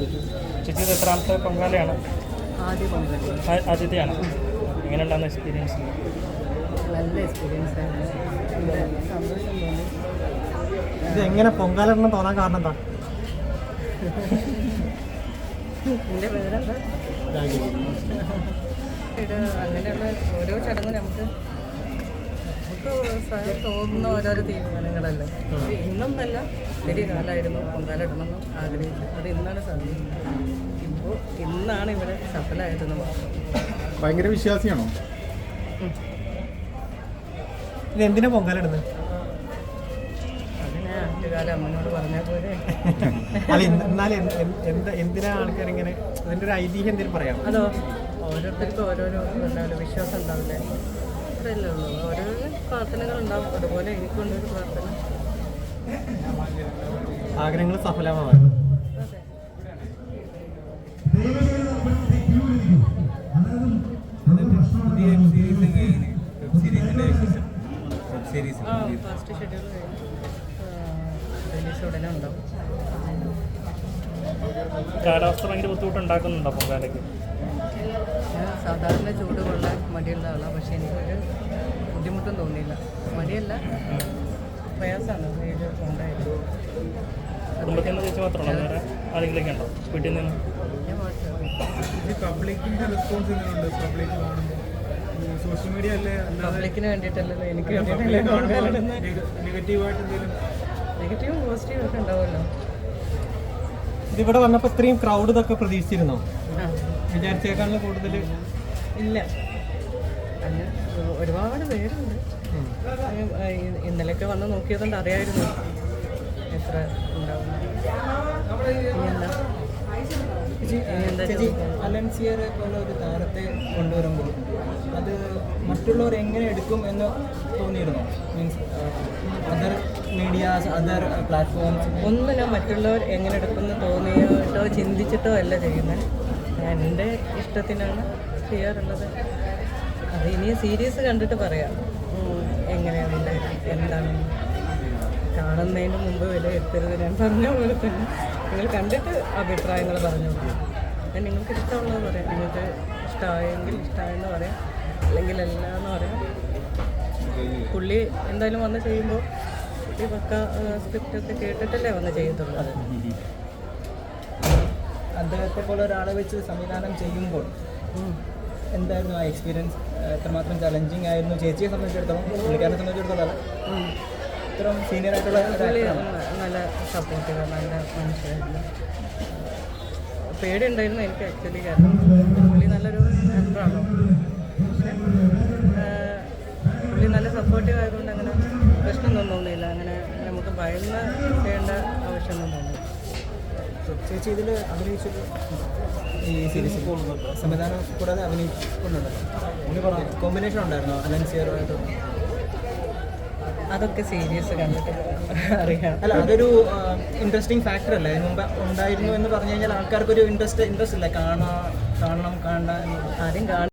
ചേച്ചി ഇത് എത്രാമത്തെ പൊങ്കാലയാണ്? ആദ്യ പൊങ്കാല. ആദ്യത്തെയാണ്. എങ്ങനെയുണ്ടാകുന്ന എക്സ്പീരിയൻസ്? നല്ല എക്സ്പീരിയൻസ് ആണ്. സന്തോഷം തോന്നി. ഇത് എങ്ങനെ പൊങ്കാലിടണം തോന്നാൻ കാരണം എന്താ? എൻ്റെ പേരെന്താ? ഇത് അങ്ങനെയുള്ള ഓരോ ചടങ്ങും നമുക്ക് സ്വയം തോന്നുന്ന ഓരോരോ തീരുമാനങ്ങളല്ലേ. ഇന്നൊന്നല്ല, ഒത്തിരി കാലമായിരുന്നു പൊങ്കാലിടണമെന്ന് ആഗ്രഹിച്ചു. അത് ഇന്നാണ് സാധിച്ചത്. ഇപ്പോൾ ഇന്നാണ് ഇവിടെ സഫലമായതെന്ന് മാത്രം. ഭയങ്കര വിശ്വാസിയാണോ? ഇത് എന്തിനാ പൊങ്കാലിടുന്നത്? അങ്ങനെ ആദ്യകാല അമ്മനോട് പറഞ്ഞാൽ പോലെ. അല്ല, എന്നാലും എന്തിനാ ആൾക്കാർ ഇങ്ങനെ, അതിൻ്റെ ഒരു ഐതിഹ്യം എന്തെങ്കിലും പറയാം? അതോ ഓരോരുത്തർക്കും ഓരോരോ ഉണ്ടാവില്ല, വിശ്വാസം ഉണ്ടാവില്ലേ, അത്രയല്ലേ ഉള്ളൂ. ഓരോരോ പ്രാർത്ഥനകളുണ്ടാവും. അതുപോലെ എനിക്കൊണ്ടൊരു പ്രാർത്ഥന. ആഗ്രഹങ്ങൾ സഫലമാവാൻ. അതെ. ഫസ്റ്റ് ഷെഡ്യൂൾ റിലീസ് ഉടനെ ഉണ്ടാവും. കാലാവസ്ഥ ഭയങ്കര ബുദ്ധിമുട്ടുണ്ടാക്കുന്നുണ്ടോ പൊങ്കാലയ്ക്ക്? ഞാൻ സാധാരണ ചൂട് കൊള്ളാൻ മടിയുള്ള ആളാണ്. പക്ഷേ എനിക്കൊരു ബുദ്ധിമുട്ടും തോന്നിയില്ല. മടിയല്ല, പ്രയാസമാണ് ഇത് ഉണ്ടായത്. കുടുംബത്തിൽ നിന്ന് ചേച്ചി മാത്രമാണോ? വേറെ ആരെങ്കിലൊക്കെ ഉണ്ടോ വീട്ടിൽ നിന്ന്? ഞാൻ പബ്ലിക്കിന്റെ റെസ്പോൺസ് എങ്ങനെയുണ്ട്? പബ്ലിക് കാണുമ്പോൾ സോഷ്യൽ മീഡിയ അല്ലേ, പബ്ലിക്കിന് വേണ്ടിയിട്ടല്ലല്ലോ, എനിക്ക് നെഗറ്റീവായിട്ട് എന്തെങ്കിലും? നെഗറ്റീവും പോസിറ്റീവും ഒക്കെ ഉണ്ടാവുമല്ലോ. ഇതിവിടെ വന്നപ്പോൾ ഇത്രയും ക്രൗഡ് ഇതൊക്കെ പ്രതീക്ഷിച്ചിരുന്നോ? ആ, വിചാരിച്ചേക്കാളും കൂടുതൽ ഇല്ല. അങ്ങനെ ഒരുപാട് പേരുണ്ട്. ഇന്നലെയൊക്കെ വന്ന് നോക്കിയതുകൊണ്ട് അറിയായിരുന്നു എത്ര ഉണ്ടാവും. ചേച്ചി, അലൻസിയറെ പോലെ ഒരു താരത്തെ കൊണ്ടുവരുമ്പോൾ അത് മറ്റുള്ളവർ എങ്ങനെ എടുക്കും എന്ന് തോന്നിയിരുന്നു? Means other medias, other platforms ഒന്നും ഞാൻ മറ്റുള്ളവർ എങ്ങനെ എടുക്കുമെന്ന് തോന്നിയിട്ടോ ചിന്തിച്ചിട്ടോ അല്ല ചെയ്യുന്നത്. ഞാൻ എൻ്റെ ഇഷ്ടത്തിനാണ് ചെയ്യാറുള്ളത്. അത് ഇനി സീരീസ് കണ്ടിട്ട് പറയാം എങ്ങനെയാണ് എന്താണെന്ന്. കാണുന്നതിന് മുമ്പ് വിലയിരുത്തരുത്. ഞാൻ പറഞ്ഞ പോലെ തന്നെ നിങ്ങൾ കണ്ടിട്ട് അഭിപ്രായങ്ങൾ പറഞ്ഞു. ഞാൻ നിങ്ങൾക്ക് ഇഷ്ടമുള്ളത് പറയാം. നിങ്ങൾക്ക് ഇഷ്ടമായെങ്കിൽ ഇഷ്ടമായെന്ന് പറയാം, അല്ലെങ്കിൽ അല്ല എന്ന് പറയാം. പുള്ളി എന്തായാലും വന്ന് ചെയ്യുമ്പോൾ ഈ പക്ക സ്ക്രിപ്റ്റൊക്കെ കേട്ടിട്ടല്ലേ വന്ന് ചെയ്യത്തുള്ളൂ. അദ്ദേഹത്തെ പോലെ ഒരാളെ വെച്ച് സംവിധാനം ചെയ്യുമ്പോൾ എന്തായിരുന്നു ആ എക്സ്പീരിയൻസ്? എത്രമാത്രം ചലഞ്ചിങ് ആയിരുന്നു ചേച്ചിയെ സംബന്ധിച്ചിടത്തോളം? പുള്ളിക്കാരനെ സംബന്ധിച്ചിടത്തോളം ഇത്രയും സീനിയർ ആയിട്ടുള്ള നല്ല സപ്പോർട്ടീവ്, നല്ല മനുഷ്യരായിരുന്നു. പേടിയുണ്ടായിരുന്നു എനിക്ക് ആക്ച്വലി, കാരണം പുള്ളി നല്ലൊരു ആക്ടറാണോ. പക്ഷേ പുള്ളി നല്ല സപ്പോർട്ടീവ് ആയതുകൊണ്ട് അങ്ങനെ പ്രശ്നമൊന്നും തോന്നിയില്ല. അങ്ങനെ നമുക്ക് ഭയന്ന് ചെയ്യേണ്ട ആവശ്യമൊന്നും തോന്നില്ല. ചേച്ചി ഇതിൽ അഭിനയിച്ചത് ഈ സീരീസിൽ സംവിധാനം കൂടാതെ അഭിനയിക്കുന്നുണ്ടല്ലോ, കോമ്പിനേഷൻ ഉണ്ടായിരുന്നോ അലൻസിയറുമായിട്ട്? അതൊക്കെ സീരീസ് കണ്ടിട്ട് അറിയാം. അല്ല, അതൊരു ഇൻട്രസ്റ്റിംഗ് ഫാക്ടർ അല്ലേ? അതിന് മുമ്പ് ഉണ്ടായിരുന്നു എന്ന് പറഞ്ഞു കഴിഞ്ഞാൽ ആൾക്കാർക്കൊരു ഇൻട്രസ്റ്റ് ഇല്ല, കാണണം കാണണ്ട. ആദ്യം